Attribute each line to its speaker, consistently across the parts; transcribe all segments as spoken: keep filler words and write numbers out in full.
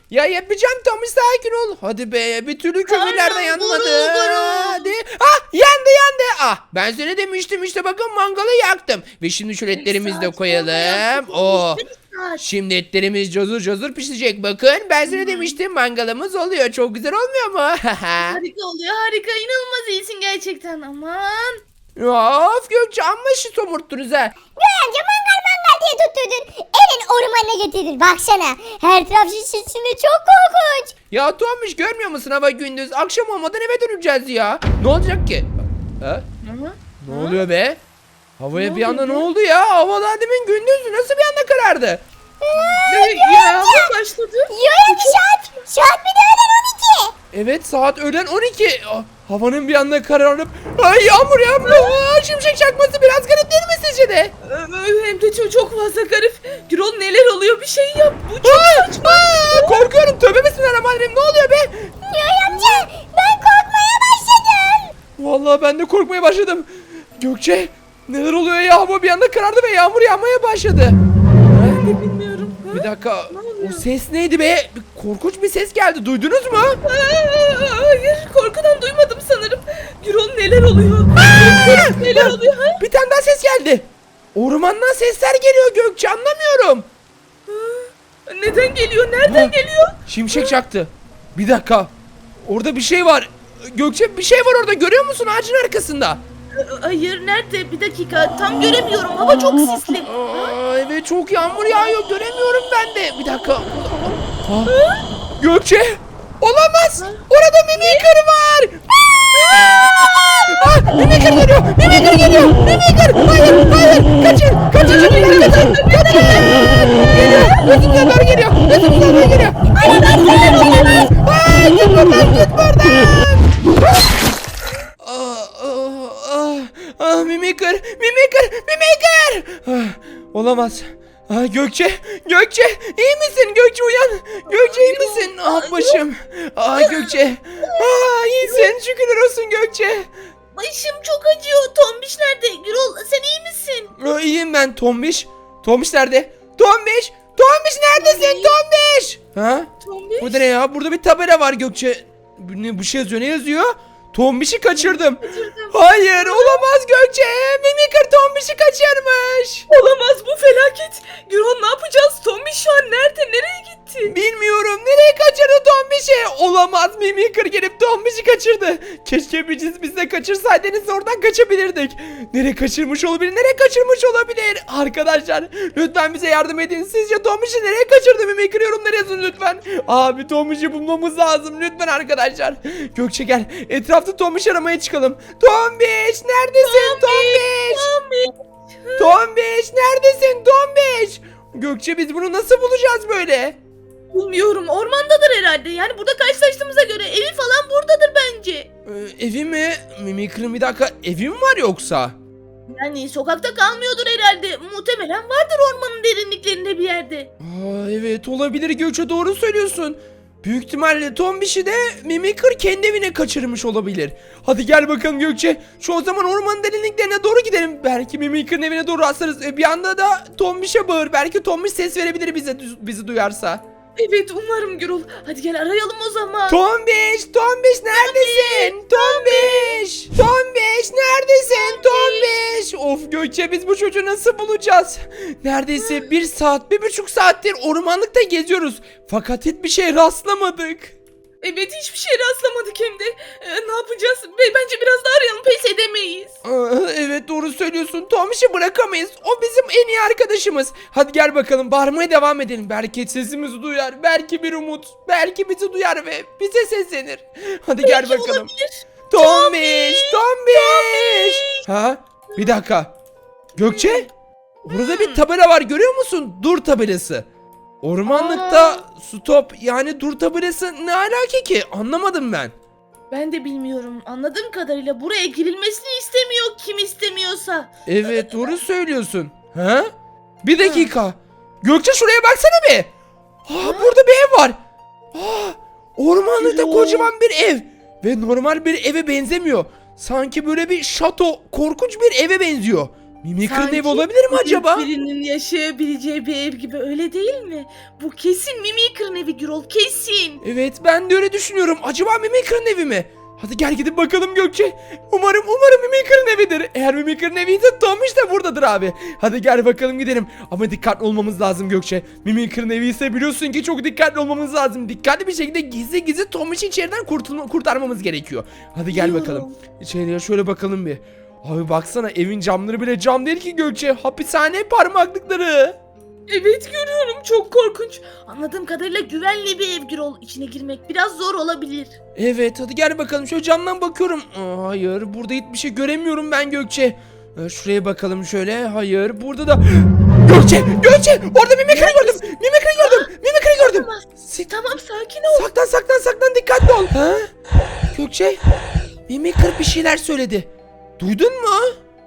Speaker 1: Ya yapacağım Tombiş, sakin ol. Hadi be, bir türlü kömürler de
Speaker 2: Karnım
Speaker 1: yanmadı.
Speaker 2: gurul gurul.
Speaker 1: Hadi. Ah, yandı yandı. Ah, ben sana demiştim işte, bakın mangalı yaktım. Ve şimdi şu etlerimizi de
Speaker 2: Saat sonra
Speaker 1: koyalım.
Speaker 2: yaktık,
Speaker 1: Oh.
Speaker 2: bir saat.
Speaker 1: Şimdi etlerimiz cozur cozur pişecek, bakın. Ben sana demiştim, mangalımız oluyor. Çok güzel olmuyor mu?
Speaker 2: Harika oluyor, harika. İnanılmaz iyisin gerçekten. Aman.
Speaker 1: Of Gökçe, amma şi somurttunuz ha.
Speaker 3: Amca mangal mangal diye tutturdun. Elin ormanına getirdin. Baksana. Her taraf şiş içinde, çok korkunç.
Speaker 1: Ya Tombiş, görmüyor musun, hava gündüz. Akşam olmadan eve döneceğiz ya. Ne olacak ki? Ha?
Speaker 2: Hı?
Speaker 1: Ne oluyor be? Havaya
Speaker 2: Ne
Speaker 1: bir anda
Speaker 2: oluyor
Speaker 1: ne
Speaker 2: be?
Speaker 1: oldu ya? Havalar demin gündüzdü. Nasıl bir anda karardı?
Speaker 2: Ne, yağmur başladı.
Speaker 3: Yoya saat. Saat bir de öğlen on iki.
Speaker 1: Evet, saat öğlen on iki. Ah, havanın bir anda kararıp ay yağmur yağmur. Aa, şimşek çakması biraz garip değil mi sizce de?
Speaker 2: Ee, Hem de çok, çok fazla garip. Gürol, neler oluyor? Bir şey yap. Bu çok
Speaker 1: Aa,
Speaker 2: saçma.
Speaker 1: aa, korkuyorum. Tövbe bismillahirrahmanirrahim. Ne oluyor be?
Speaker 3: Yoya amca, ben korkmaya başladım.
Speaker 1: Vallahi ben de korkmaya başladım. Gökçe, neler oluyor ya? Hava bir anda karardı ve yağmur yağmaya başladı.
Speaker 2: Ben de bilmiyorum. Ha?
Speaker 1: Bir dakika.
Speaker 2: Ne oluyor?
Speaker 1: O ses neydi be? Bir korkunç bir ses geldi. Duydunuz mu?
Speaker 2: Aa, hayır, korkudan duymadım sanırım. Gürol, neler oluyor? Neler oluyor? Ha?
Speaker 1: Bir tane daha ses geldi. Ormandan sesler geliyor Gökçe, anlamıyorum.
Speaker 2: Neden geliyor? Nereden
Speaker 1: Ha.
Speaker 2: geliyor?
Speaker 1: Şimşek çaktı. Bir dakika. Orada bir şey var. Gökçe, bir şey var orada, görüyor musun, ağacın arkasında?
Speaker 2: Ee, Hayır, nerede? Bir dakika, tam göremiyorum. Hava çok sisli.
Speaker 1: Aa, evet, çok yağmur yağıyor, göremiyorum ben de. Bir dakika. Ha. Gökçe, olamaz. Orada mimikır var. Ah, mimikır geliyor. Mimikır geliyor. Mimikır. Hayır, hayır. Kaçın. Kaçın çocuklar, kaçın. Kaçın. Geliyor. Gözümüze doğru geliyor. Gözümüze doğru geliyor. Olamaz. Olamaz. Aa, git buradan, git buradan. Ah, ah, ah, ah, mimikır, mimikır, mimikır. Ah, olamaz. Ah, Gökçe, Gökçe, iyi misin? Gökçe, uyan. Gökçe, iyi misin? Ah, başım. Ah, Gökçe. Ah, iyisin. Şükürler olsun Gökçe.
Speaker 2: Başım çok acıyor. Tombiş nerede? Gürol, sen iyi misin?
Speaker 1: Ah, iyiyim ben. Tombiş. Tombiş nerede? Tombiş. Tombiş neredesin? Tombiş. Ha?
Speaker 2: Tombiş?
Speaker 1: Burada ne ya? Burada bir tabela var Gökçe. Bu ne, bu şey yazıyor. Ne yazıyor? Tombiş'i kaçırdım. Hayır, olamaz Gökçe. Mimikır Tombiş'i kaçırmış.
Speaker 2: Olamaz, bu felaket. Gürol, ne yapacağız? Tombiş şu an nerede? Nereye gitti?
Speaker 1: Bilmiyorum, nereye kaçırdı Tombiş'i? Olamaz, Mimikır gelip Tombiş'i kaçırdı. Keşke biz biz de kaçırsaydınız, oradan kaçabilirdik. Nereye kaçırmış olabilir? Nereye kaçırmış olabilir? Arkadaşlar, lütfen bize yardım edin. Sizce Tombiş'i nereye kaçırdı? Mimikır yorumlara yazın lütfen. Abi, Tombiş'i bulmamız lazım lütfen arkadaşlar. Gökçe, gel, etrafta Tombiş aramaya çıkalım. Tombiş, neredesin Tombiş?
Speaker 2: Tombiş.
Speaker 1: Tombiş, neredesin Tombiş? Gökçe, biz bunu nasıl bulacağız böyle?
Speaker 2: Bilmiyorum, ormandadır herhalde. Yani burada karşılaştığımıza göre evi falan buradadır bence.
Speaker 1: Ee, evi mi? Mimikır'ın bir dakika, evi mi var yoksa?
Speaker 2: Yani sokakta kalmıyordur herhalde. Muhtemelen vardır ormanın derinliklerinde bir yerde.
Speaker 1: Aa, evet, olabilir Gökçe, doğru söylüyorsun. Büyük ihtimalle Tombiş'i de Mimikır kendi evine kaçırmış olabilir. Hadi gel bakalım Gökçe. Şu o zaman ormanın derinliklerine doğru gidelim. Belki Mimikır'ın evine doğru rastlarız. E, bir anda da Tombiş'e bağır. Belki Tombiş ses verebilir bize, bizi duyarsa.
Speaker 2: Evet, umarım Gürol. Hadi gel arayalım o zaman.
Speaker 1: Tombiş, Tombiş neredesin? Tombiş, Tombiş neredesin? Tombiş. Of Gökçe, biz bu çocuğu nasıl bulacağız? Neredeyse bir saat, bir buçuk saattir ormanlıkta geziyoruz. Fakat hiçbir şey rastlamadık.
Speaker 2: Evet, hiçbir şey rastlamadık hem de. Ee, ne yapacağız? Be- Bence biraz daha arayalım, pes edemeyiz.
Speaker 1: Aa, evet, doğru söylüyorsun. Tombiş'i bırakamayız. O bizim en iyi arkadaşımız. Hadi gel bakalım, bağırmaya devam edelim. Belki sesimizi duyar. Belki bir umut. Belki bizi duyar ve bize seslenir. Hadi gel
Speaker 2: Belki
Speaker 1: bakalım.
Speaker 2: olabilir.
Speaker 1: Tombiş, Tombiş. Ha? Bir dakika. Gökçe? Burada bir tabela var, görüyor musun? Dur tabelası. Ormanlıkta stop, yani dur tabelası ne alaka ki? Anlamadım ben.
Speaker 2: Ben de bilmiyorum. Anladığım kadarıyla buraya girilmesini istemiyor kim istemiyorsa.
Speaker 1: Evet, doğru söylüyorsun. Ha? Bir dakika. Gökçe, şuraya baksana bir. Aa, burada bir ev var. Aa, ormanlıkta
Speaker 2: Yo.
Speaker 1: kocaman bir ev. Ve normal bir eve benzemiyor. Sanki böyle bir şato, korkunç bir eve benziyor. Mimikır'ın
Speaker 2: Sanki
Speaker 1: evi olabilir mi acaba?
Speaker 2: Birinin yaşayabileceği bir ev gibi, öyle değil mi? Bu kesin Mimikır'ın evi Gürol, kesin.
Speaker 1: Evet, ben de öyle düşünüyorum. Acaba Mimikır'ın evi mi? Hadi gel gidip bakalım Gökçe. Umarım umarım Mimikır'ın evidir. Eğer Mimikır'ın eviyse Tomiş de buradadır abi. Hadi gel bakalım gidelim. Ama dikkatli olmamız lazım Gökçe. Mimikır'ın evi ise biliyorsun ki çok dikkatli olmamız lazım. Dikkatli bir şekilde gizli gizli Tomiş'i içeriden kurtulma, kurtarmamız gerekiyor. Hadi gel
Speaker 2: Diyorum.
Speaker 1: bakalım. İçeriye şöyle bakalım bir. Abi baksana, evin camları bile cam değil ki Gökçe. Hapishane parmaklıkları.
Speaker 2: Evet, görüyorum, çok korkunç. Anladığım kadarıyla güvenli bir ev Gürol. İçine girmek biraz zor olabilir.
Speaker 1: Evet, hadi gel bakalım, şöyle camdan bakıyorum. Aa, hayır, burada hiçbir şey göremiyorum ben Gökçe. Ee, şuraya bakalım şöyle. Hayır, burada da Gökçe, Gökçe, orada mimikri gördüm. Mimikri gördüm. Mimikri gördüm.
Speaker 2: Tamam,
Speaker 1: Si-
Speaker 2: tamam, sakin ol.
Speaker 1: saklan saklan saklan, dikkatli ol. Ha? Gökçe, mimikri bir şeyler söyledi. Duydun mu?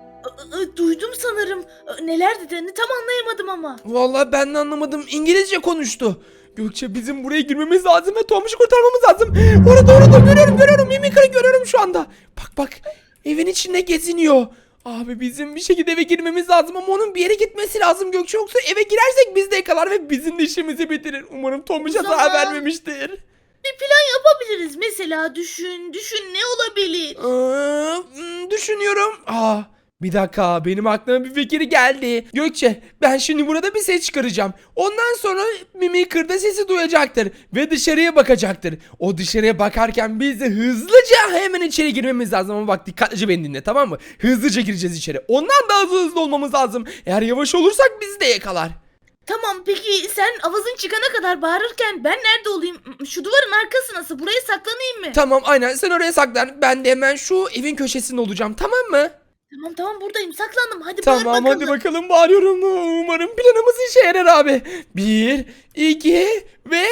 Speaker 2: I- I- Duydum sanırım. I- Neler dediğini tam anlayamadım ama.
Speaker 1: Vallahi ben de anlamadım. İngilizce konuştu. Gökçe, bizim buraya girmemiz lazım ve Tomuş'u kurtarmamız lazım. Orada orada görüyorum görüyorum. Mimikri görüyorum şu anda. Bak bak, evin içinde geziniyor. Abi bizim bir şekilde eve girmemiz lazım ama onun bir yere gitmesi lazım Gökçe. Yoksa eve girersek biz de yakalar ve bizim de işimizi bitirir. Umarım Tomuş'a
Speaker 2: O
Speaker 1: zarar
Speaker 2: zaman-
Speaker 1: vermemiştir.
Speaker 2: Bir plan yapabiliriz. Mesela düşün, düşün ne olabilir?
Speaker 1: Aa, hmm, düşünüyorum. Aa, bir dakika, benim aklıma bir fikir geldi. Gökçe, ben şimdi burada bir ses çıkaracağım. Ondan sonra Mimikır'da sesi duyacaktır ve dışarıya bakacaktır. O dışarıya bakarken biz de hızlıca hemen içeri girmemiz lazım. Ama bak, dikkatlice beni dinle, tamam mı? Hızlıca gireceğiz içeri. Ondan daha hızlı, hızlı olmamız lazım. Eğer yavaş olursak bizi de yakalar.
Speaker 2: Tamam, peki sen avazın çıkana kadar bağırırken ben nerede olayım? Şu duvarın arkası nasıl? Buraya saklanayım mı?
Speaker 1: Tamam, aynen, sen oraya saklan. Ben de hemen şu evin köşesinde olacağım, tamam mı?
Speaker 2: Tamam tamam, buradayım, saklandım. Hadi bağır
Speaker 1: Tamam,
Speaker 2: bakalım.
Speaker 1: hadi bakalım, bağırıyorum. Umarım planımız işe yarar abi. Bir, iki ve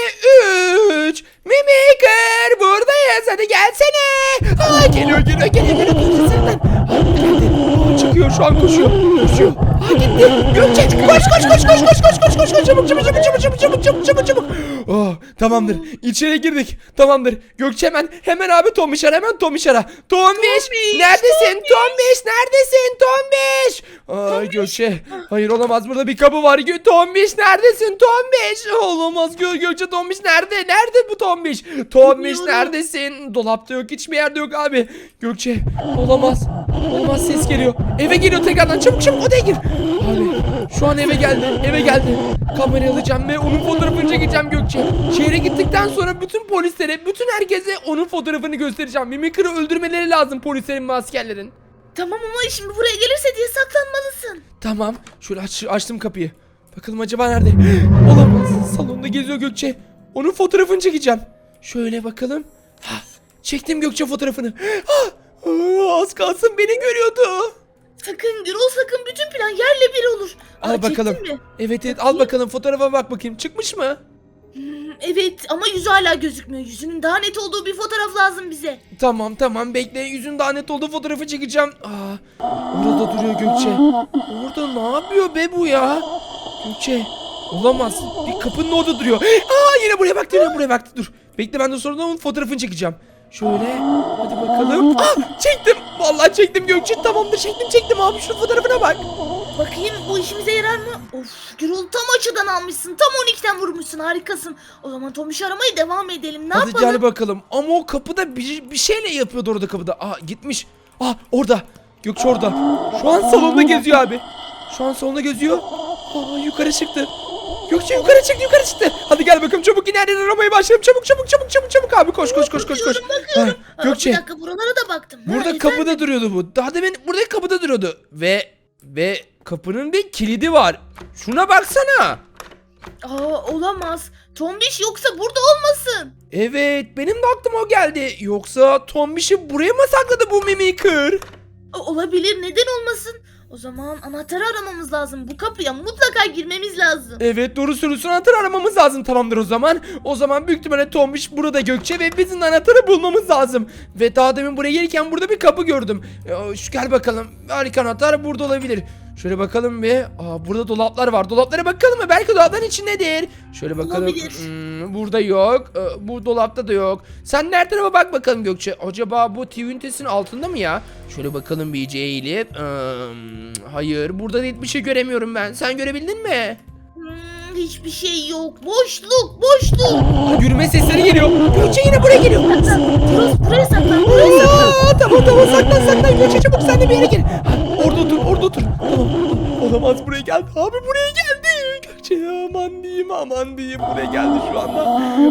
Speaker 1: üç. Mimikır, buradayız, hadi gelsene. Aa, geliyor geliyor geliyor geliyor. Senden. Aa, çıkıyor şu an, koşuyor. Koşuyor. Aa, gitti. Gökçe, koş koş koş koş koş koş koş koş koş, çabuk çabuk çabuk çabuk çabuk çabuk çabuk çabuk çabuk. Oh, tamamdır. İçeri girdik. Tamamdır. Gökçe, hemen hemen abi Tomiş ara, hemen Tomiş ara. Tomiş,
Speaker 2: Tombiş,
Speaker 1: neredesin?
Speaker 2: Tombiş.
Speaker 1: Tombiş, neredesin? Tombiş. Ay Gökçe. Hayır, olamaz, burada bir kapı var. Gö Tombiş, neredesin? Tombiş. Olamaz, Gö Gökçe, Tombiş nerede? Nerede bu Tombiş? Tombiş
Speaker 2: Bilmiyorum.
Speaker 1: neredesin? Dolapta yok, hiçbir yerde yok abi. Gökçe, olamaz. Olamaz, ses geliyor. Eve geliyor tekrardan. Çabuk çabuk odaya gir. Abi şu an eve geldi. Eve geldi. Kamerayı alacağım ve onun fotoğrafını çekeceğim Gökçe. Şehre gittikten sonra bütün polislere, bütün herkese onun fotoğrafını göstereceğim. Mimikır'ı öldürmeleri lazım polislerin ve askerlerin.
Speaker 2: Tamam ama şimdi buraya gelirse diye saklanmalısın.
Speaker 1: Tamam. Şöyle aç, açtım kapıyı. Bakalım acaba nerede? Olamaz. Salonda geziyor Gökçe. Onun fotoğrafını çekeceğim. Şöyle bakalım. Ha, çektim Gökçe fotoğrafını. Ha, aa, az kalsın beni görüyordu.
Speaker 2: Sakın Gürol, sakın, bütün plan yerle bir olur.
Speaker 1: Al
Speaker 2: Aa,
Speaker 1: bakalım.
Speaker 2: çektin mi?
Speaker 1: Evet evet, al bakalım fotoğrafa, bak bakayım. Çıkmış mı?
Speaker 2: Hmm, evet ama yüzü hala gözükmüyor. Yüzünün daha net olduğu bir fotoğraf lazım bize.
Speaker 1: Tamam tamam, bekle, yüzün daha net olduğu fotoğrafı çekeceğim. Aa, orada duruyor Gökçe. Orada ne yapıyor be bu ya? Gökçe, olamaz. Bir kapının orada duruyor. Aa, yine buraya baktı, yine buraya baktı. Dur. Bekle, ben de sonra onun fotoğrafını çekeceğim. Şöyle, hadi bakalım. Aa, çektim. Vallahi çektim Gökçe. Tamamdır, çektim çektim abi, şu fotoğrafına bak.
Speaker 2: Bakayım bu işimize yarar mı? Of Gürol, tam açıdan almışsın. Tam on ikiden vurmuşsun, harikasın. O zaman Tomiş aramaya devam edelim. Ne
Speaker 1: Hadi
Speaker 2: yapalım?
Speaker 1: gel bakalım. Ama o kapıda bir, bir şeyle yapıyordu orada kapıda. Aa, gitmiş. Aa, orada. Gökçe orada. Şu an salonda geziyor abi. Şu an salonda geziyor. Aa, yukarı çıktı. Gökçe yukarı çıktı, yukarı çıktı. Hadi gel bakalım, çabuk yine her yere aramaya başlayalım. Çabuk çabuk çabuk çabuk çabuk abi, koş koş koş koş koş.
Speaker 2: Bakıyorum.
Speaker 1: Ha,
Speaker 2: Aa,
Speaker 1: Gökçe,
Speaker 2: Bir dakika, buralara da baktım. Ha,
Speaker 1: burada
Speaker 2: efendim?
Speaker 1: kapıda duruyordu bu. Daha demin buradaki kapıda duruyordu. Ve ve kapının bir kilidi var. Şuna baksana.
Speaker 2: Aa, olamaz. Tombiş yoksa burada olmasın.
Speaker 1: Evet, benim de aklıma o geldi. Yoksa Tombiş'i buraya mı sakladı bu Mimikır?
Speaker 2: O- Olabilir, neden olmasın? O zaman anahtarı aramamız lazım. Bu kapıya mutlaka girmemiz lazım.
Speaker 1: Evet, doğru söylüyorsun, anahtarı aramamız lazım. Tamamdır o zaman. O zaman büyük ihtimalle Tombiş burada Gökçe ve bizim anahtarı bulmamız lazım. Ve daha demin buraya gelirken burada bir kapı gördüm. Ee, şu gel bakalım. Harika, anahtar burada olabilir. Şöyle bakalım bir. Aa, burada dolaplar var. Dolaplara bakalım mı? Belki dolapların içindedir. Şöyle bakalım.
Speaker 2: Olabilir.
Speaker 1: Hmm, burada yok. Ee, bu dolapta da yok. Sen her tarafa bak bakalım Gökçe. Acaba bu T V ünitesinin altında mı ya? Şöyle bakalım bir iyice eğilip. Hmm, hayır, burada da hiçbir şey göremiyorum ben. Sen görebildin mi?
Speaker 2: Hmm, hiçbir şey yok. Boşluk, boşluk.
Speaker 1: Aa, yürüme sesleri geliyor. Gökçe yine buraya geliyor.
Speaker 2: Burası, buraya saklan, buraya saklan.
Speaker 1: Aa, tamam tamam, saklan saklan Gökçe, çabuk sen de bir yere gel. Ha, orada otur, orada otur. Tamam. Olamaz, buraya geldi. Abi buraya geldi. Gökçe, aman diyeyim, aman diyeyim, buraya geldi şu anda.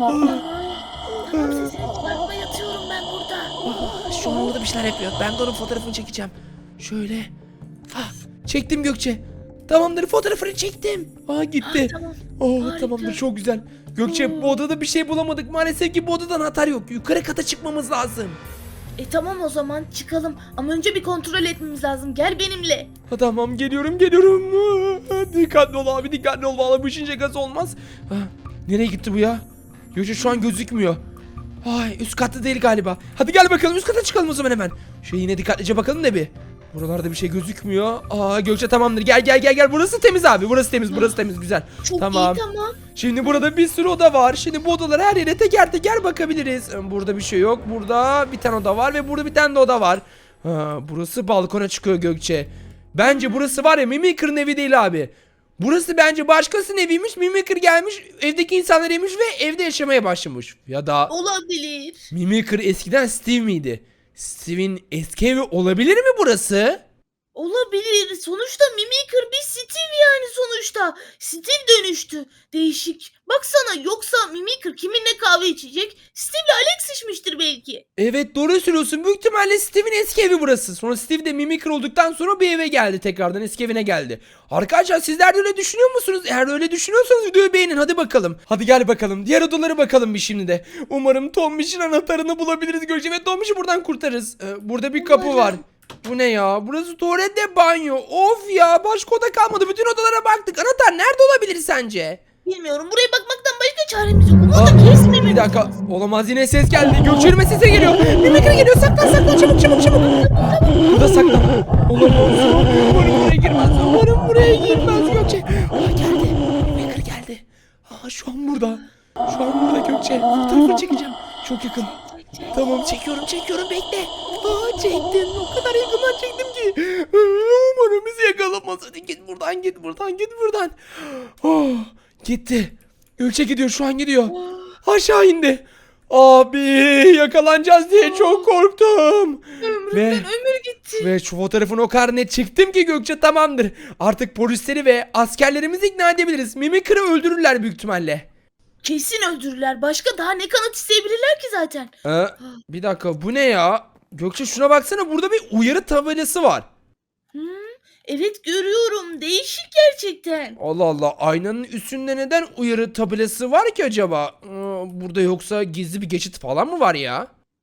Speaker 1: Aa,
Speaker 2: Tamam, sesini çıkartma, yatıyorum ben burada.
Speaker 1: aa, şu an orada bir şeyler yapıyor. Ben de onun fotoğrafını çekeceğim. Şöyle. Ah, çektim Gökçe. Tamamdır, fotoğrafını çektim. Aa, gitti.
Speaker 2: Ah, tamam.
Speaker 1: Oh,
Speaker 2: Harika.
Speaker 1: tamamdır, çok güzel. Gökçe, bu odada bir şey bulamadık. Maalesef ki bu odadan atar yok. Yukarı kata çıkmamız lazım.
Speaker 2: E tamam, o zaman çıkalım. Ama önce bir kontrol etmemiz lazım. Gel benimle.
Speaker 1: Ha, tamam, geliyorum geliyorum. Aa, dikkatli ol abi, dikkatli ol. Vallahi bu işin şakası olmaz. Ha, nereye gitti bu ya? Gökçe şu an gözükmüyor. Ay, üst katta değil galiba. Hadi gel bakalım, üst kata çıkalım o zaman hemen. Şöyle yine dikkatlice bakalım da bir. Buralarda bir şey gözükmüyor. Aa, Gökçe tamamdır. Gel gel gel gel. Burası temiz abi. Burası temiz. Burası temiz. Güzel.
Speaker 2: Çok
Speaker 1: Tamam.
Speaker 2: iyi, tamam.
Speaker 1: Şimdi burada bir sürü oda var. Şimdi bu odalara her yere teker teker bakabiliriz. Burada bir şey yok. Burada bir tane oda var ve burada bir tane de oda var. Ha, burası balkona çıkıyor Gökçe. Bence burası var ya, Mimikır'ın evi değil abi. Burası bence başkasının eviymiş. Mimikır gelmiş, evdeki insanları yemiş ve evde yaşamaya başlamış. Ya da
Speaker 2: Olabilir.
Speaker 1: Mimikır eskiden Steve miydi? Steve'in eski evi olabilir mi burası?
Speaker 2: Olabilir. Sonuçta Mimikır bir Steve yani sonuçta. Steve dönüştü. Değişik. Baksana, yoksa Mimikır kiminle kahve içecek? Steve'le Alex içmiştir belki.
Speaker 1: Evet, doğru söylüyorsun. Büyük ihtimalle Steve'in eski evi burası. Sonra Steve de Mimikır olduktan sonra bir eve geldi, tekrardan eski evine geldi. Arkadaşlar, sizler de öyle düşünüyor musunuz? Eğer öyle düşünüyorsanız videoyu beğenin, hadi bakalım. Hadi gel bakalım, diğer odalara bakalım bir şimdi de. Umarım Tombiş'in anahtarını bulabiliriz Gökçe ve Tombiş'i buradan kurtarırız. Ee, burada bir kapı
Speaker 2: Umarım.
Speaker 1: var. Bu ne ya? Burası tuvalet de banyo. Of ya, başka oda kalmadı. Bütün odalara baktık. Anahtar nerede olabilir sence?
Speaker 2: Bilmiyorum. Buraya bakmaktan başka çaremiz yok. Onu
Speaker 1: Aa,
Speaker 2: da kesmememiz
Speaker 1: bir dakika.
Speaker 2: lazım.
Speaker 1: Olamaz, yine ses geldi. Gökçe'nin sesi geliyor. Mimikır geliyor. Saklan saklan, çabuk çabuk çabuk. Burada saklan. Olamaz. Umarım buraya girmez. Umarım buraya girmez Gökçe. Aa, geldi. Mimikır geldi. Aa, şu an burada. Şu an burada Gökçe. Fotoğrafını çekeceğim. Çok yakın. Tamam, çekiyorum çekiyorum, bekle. Aa, çektim. O kadar yakından çektim ki. Umarım bizi yakalamaz. Hadi git buradan, git buradan, git buradan. Oh, gitti. Gökçe gidiyor, şu an gidiyor. Aşağı indi. Abi, yakalanacağız diye çok korktum.
Speaker 2: Ömrümden
Speaker 1: Ve
Speaker 2: ömür gitti.
Speaker 1: ve şu fotoğrafını o kadar net çektim ki Gökçe, tamamdır. Artık polisleri ve askerlerimizi ikna edebiliriz. Mimikır'ı öldürürler büyük ihtimalle.
Speaker 2: Kesin öldürürler. Başka daha ne kanıt isteyebilirler ki zaten?
Speaker 1: Ee, bir dakika, bu ne ya? Gökçe, şuna baksana, burada bir uyarı tabelası var.
Speaker 2: Hmm, evet, görüyorum. Değişik gerçekten.
Speaker 1: Allah Allah, aynanın üstünde neden uyarı tabelası var ki acaba? Ee, burada yoksa gizli bir geçit falan mı var ya?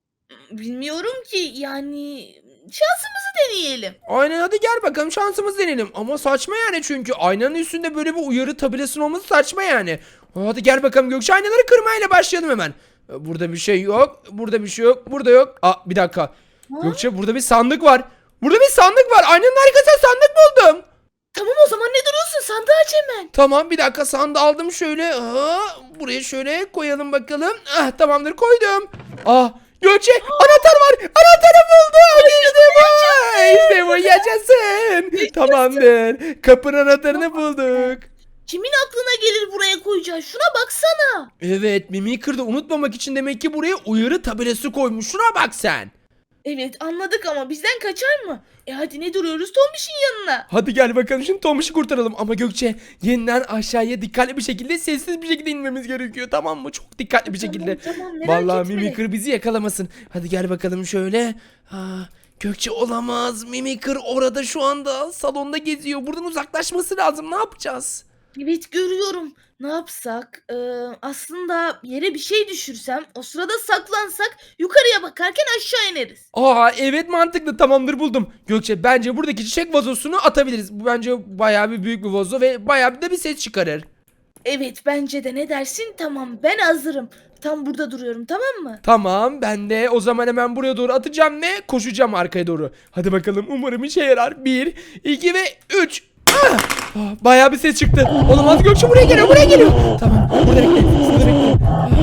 Speaker 2: Bilmiyorum ki, yani şansımızı deneyelim.
Speaker 1: Aynen, hadi gel bakalım, şansımız deneyelim. Ama saçma yani, çünkü aynanın üstünde böyle bir uyarı tabelasının olması saçma yani. Hadi gel bakalım Gökçe, aynaları kırmayla başlayalım hemen. Ee, Burada bir şey yok, burada bir şey yok, burada yok. Aa, bir dakika.
Speaker 2: Ha?
Speaker 1: Gökçe, burada bir sandık var. Burada bir sandık var. Aynanın arkasında sandık buldum.
Speaker 2: Tamam, o zaman ne duruyorsun? Sandığı aç hemen.
Speaker 1: Tamam, bir dakika, sandığı aldım şöyle. Aa, buraya şöyle koyalım bakalım. Ah, tamamdır, koydum. Ah, Gökçe, anahtar var. Anahtarı buldum. İşte bu. İşte bu, yaşasın. Tamamdır. Kapının anahtarını bulduk.
Speaker 2: Kimin aklına gelir buraya koyacağız? Şuna baksana.
Speaker 1: Evet, Mimikır'da unutmamak için demek ki buraya uyarı tabelası koymuş. Şuna bak sen.
Speaker 2: Evet, anladık ama bizden kaçar mı? E hadi, ne duruyoruz? Tombiş'in yanına.
Speaker 1: Hadi gel bakalım, şimdi Tomiş'i kurtaralım. Ama Gökçe, yeniden aşağıya dikkatli bir şekilde, sessiz bir şekilde inmemiz gerekiyor, tamam mı? Çok dikkatli bir şekilde.
Speaker 2: Tamam, tamam, merak
Speaker 1: Vallahi
Speaker 2: etme.
Speaker 1: Mimikır bizi yakalamasın. Hadi gel bakalım şöyle. Aa, Gökçe, olamaz. Mimikır orada şu anda salonda geziyor. Buradan uzaklaşması lazım. Ne yapacağız?
Speaker 2: Evet, görüyorum. Ne yapsak? Ee, aslında yere bir şey düşürsem, o sırada saklansak, yukarıya bakarken aşağı ineriz.
Speaker 1: Aa, evet, mantıklı, tamamdır, buldum. Gökçe, bence buradaki çiçek vazosunu atabiliriz. Bu bence bayağı bir büyük bir vazo ve bayağı bir de bir ses çıkarır.
Speaker 2: Evet, bence de, ne dersin? Tamam, ben hazırım. Tam burada duruyorum, tamam mı?
Speaker 1: Tamam, ben de o zaman hemen buraya doğru atacağım ve koşacağım arkaya doğru. Hadi bakalım, umarım işe yarar. Bir, iki ve üç. Ah! Ah, bayağı bir ses çıktı. Olamaz, Gökçe buraya geliyor, buraya geliyor. Tamam, burada bekle, burada bekle.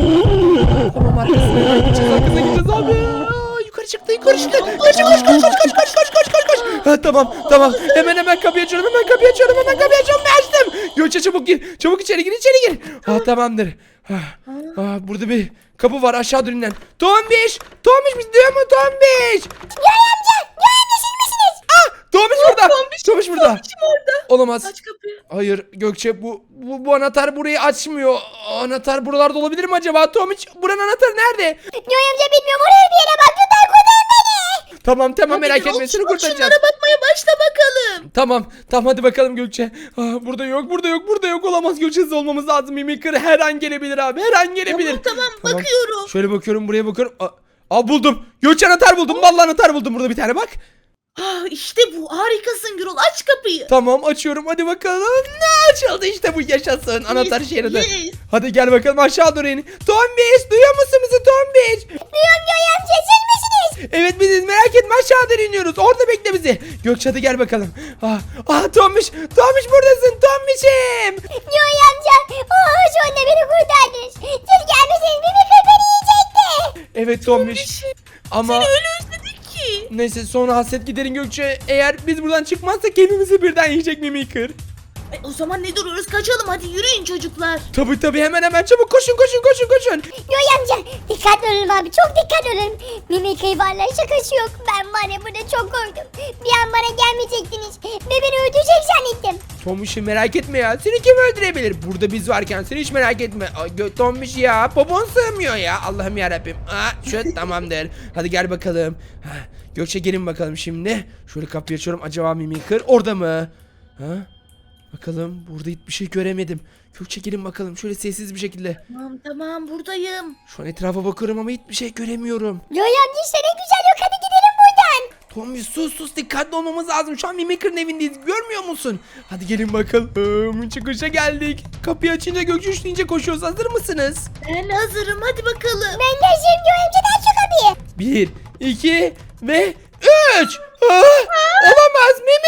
Speaker 1: Ah, tamam, arkasına gideceğiz, arkasına gideceğiz abi. Aa, yukarı çıktı, yukarı çıktı. Koş, koş, koş, koş, koş, koş, koş, koş, koş, koş. Ha, tamam, tamam. Hemen hemen kapıyı açıyorum, hemen kapıyı açıyorum, hemen kapıyı açıyorum ve açtım. Gökçe çabuk gir, çabuk içeri gir, içeri gir. Ha, tamamdır. Ha, ha, burada bir kapı var aşağı dönülen. Tombiş, Tombiş bizi duyuyor mu Tombiş?
Speaker 3: Göğe amca. Göğe amca siz misiniz?
Speaker 1: Ah, Tombiş burada.
Speaker 2: Tombiş,
Speaker 1: Tombiş burada.
Speaker 2: Tombiş'im orada.
Speaker 1: Olamaz.
Speaker 2: Aç kapıyı.
Speaker 1: Hayır Gökçe, bu, bu bu anahtar burayı açmıyor. Anahtar buralarda olabilir mi acaba? Tomiç, buranın anahtarı nerede?
Speaker 3: Göğe amca bilmiyorum. Oraya bir yere bak. Lütfen kurtar beni.
Speaker 1: Tamam tamam,
Speaker 2: Hadi
Speaker 1: merak
Speaker 2: Gürol,
Speaker 1: etme, seni
Speaker 2: bak
Speaker 1: kurtaracağız.
Speaker 2: Şunlara bakmaya başla bakalım.
Speaker 1: Tamam tamam, hadi bakalım Gökçe. Ah, burada yok, burada yok, burada yok, olamaz. Gökçe, hızlı olmamız lazım. Mimikır her an gelebilir abi, her an gelebilir.
Speaker 2: Tamam tamam, bakıyorum.
Speaker 1: Şöyle bakıyorum, buraya bakıyorum. Aa, aa, buldum. Gökçe, anahtar buldum. Vallahi anahtar buldum, burada bir tane bak.
Speaker 2: Ah, işte bu, harikasın Gürol, aç kapıyı.
Speaker 1: Tamam, açıyorum, hadi bakalım. Ne açıldı, işte bu, yaşasın. Anahtar
Speaker 2: Yes,
Speaker 1: işe yaradı.
Speaker 2: yes.
Speaker 1: Hadi gel bakalım, aşağı doğru in. Tombiş, duyuyor musun bizi Tombiş?
Speaker 3: Duyuyorum Göğe amca. Siz misiniz?
Speaker 1: Evet biziz, merak etme, aşağı doğru iniyoruz. Orada bekle bizi. Gökçe, hadi gel bakalım. Ah, ah Tombiş, Tombiş buradasın Tombiş'im.
Speaker 3: Göğe amca. Oh, şu anda beni kurtardınız. Siz gelmeseniz Mimikır beni yiyecekti.
Speaker 1: Evet Tombiş.
Speaker 2: Tombiş'im,
Speaker 1: Ama
Speaker 2: Seni öyle özledik ki.
Speaker 1: neyse, sonra hasret giderin Gökçe. Eğer biz buradan çıkmazsak hepimizi birden yiyecek Mimikır.
Speaker 2: Ay, o zaman ne duruyoruz, kaçalım hadi, yürüyün çocuklar.
Speaker 1: Tabii tabii, hemen hemen çabuk koşun koşun koşun koşun.
Speaker 3: Göğe amca. Dikkatli olun abi. Çok dikkatli olun. Mimikır varlar, şakası yok. Ben var ya, burada çok korktum. Bir an bana gelmeyecektiniz. Ve beni öldürecek zannettim.
Speaker 1: Tombiş'i merak etme ya. Seni kim öldürebilir? Burada biz varken sen hiç merak etme. Ay, gö- Tombiş ya. Popon sığmıyor ya. Allah'ım yarabbim. Aa, şöyle tamamdır. Hadi gel bakalım. Ha, Gökçe, gelin bakalım şimdi. Şöyle kapıyı açıyorum. Acaba Mimikır orada mı? Ha? Bakalım, burada hiçbir şey göremedim. Gökçe, gelin bakalım şöyle sessiz bir şekilde.
Speaker 2: Tamam tamam, buradayım.
Speaker 1: Şu an etrafa bakıyorum ama hiçbir şey göremiyorum.
Speaker 3: Göğe amca işte ne güzel yok. Hadi gidelim buradan.
Speaker 1: Tombiş, sus sus, dikkatli olmamız lazım. Şu an Mimikır'ın evindeyiz, görmüyor musun? Hadi gelin bakalım. Çıkışa geldik. Kapıyı açınca Gökçe üçleyince koşuyoruz. Hazır mısınız?
Speaker 2: Ben hazırım, hadi bakalım.
Speaker 3: Ben de şimdi Göğe amca aç şu kapıyı.
Speaker 1: Bir, iki ve üç. Ah, olamaz.